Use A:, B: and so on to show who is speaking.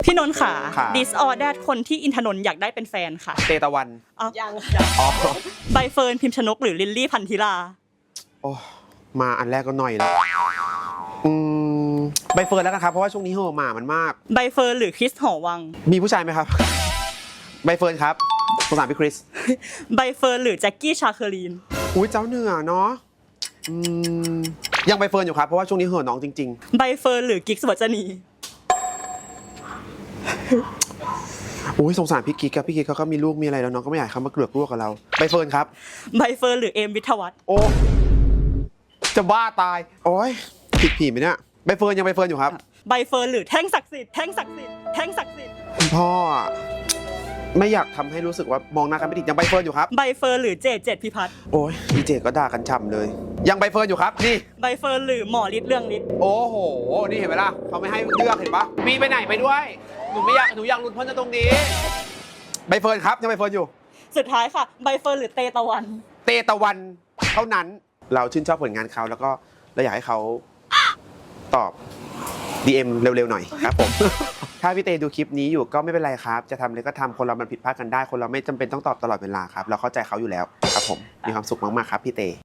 A: พี่นนท์ค่ะ
B: ค่ะ
A: disorder คนที่อินทนนท์อยากได้เป็นแฟนค่ะ
B: เตตะวัน
A: ยัง
B: อ๋อ
A: ใบเฟิร์นพิมพ์ชนกหรือลิลลี่พันธิลา
B: โอ้มาอันแรกก็หน่อยแล้วใบเฟิร์นแล้วกันครับเพราะว่าช่วงนี้เห่อะหมามันมาก
A: ใบเฟิร์นหรือคริสหอวัง
B: มีผู้ชายไหมครับ ใบเฟิร์นครับสงสารพี่คริส
A: ใบเฟิร์นหรือแจ็คกี้ชาเคอรีน
B: อุ้ยเจ้าเหนือเนาะยังใบเฟิร์นอยู่ครับเพราะว่าช่วงนี้เห่อะน้องจริง
A: ใบเฟิร์นหรือกิ๊กสุวรรณี
B: ๆอุ้ยสงสารพี่กิ๊กครับพี่กิ๊กเขาก็มีลูกมีอะไรแล้วน้องก็ไม่อยากให้เขามาเกลือกลูกกับเราใบเฟิร์นครับ
A: ใบเฟิร์นหรือเอมวิทยาวัฒน์
B: โอ้จะบ้าตายโอ้ยผิดผีไหมเนี่ยใบเฟิร์นยังใบเฟิร์นอยู่ครับ
A: ใบเฟิร์นหรือแท่งศักดิ์สิทธิ์แท่งศักดิ์สิทธิ์แท่งศักดิ์สิทธิ์
B: คุณพ่ออะไม่อยากทำให้รู้สึกว่ามองหน้ากันไม่ติดยังใบเฟิร์นอยู่ครับ
A: ใบเฟิร์นหรือเจดพิพัฒน์
B: โอ้ยดีเจก็ด่ากันฉ่ำเลย ยังใบเฟิร์นอยู่ครับนี่
A: ใบเฟิร์นหรือหมอฤทธิ์เรื่องฤทธิ์
B: โอ้โหนี่เห็นไหมล่ะเขาไม่ให้เลือกเห็นปะมีไปไหนไปด้วยหนูอยากหลุดพ้นจากตรงนี้ใบเฟิร์นครับยังใบเฟิร์นอยู่
A: สุดท้ายค่ะใบเฟิร์นหรือเตตะวัน
B: เตตะวันเท่านั้นเราชื่นชอบผลงานเขาแล้วก็เราอยากให้เขาตอบ DM เร็วๆหน่อยครับผม ถ้าพี่เตดูคลิปนี้อยู่ก็ไม่เป็นไรครับจะทำอะไรก็ทำคนเรามันผิดพลาดกันได้คนเราไม่จำเป็นต้องตอบตลอดเวลาครับเราเข้าใจเขาอยู่แล้วครับผมมีความสุขมากๆครับพี่เต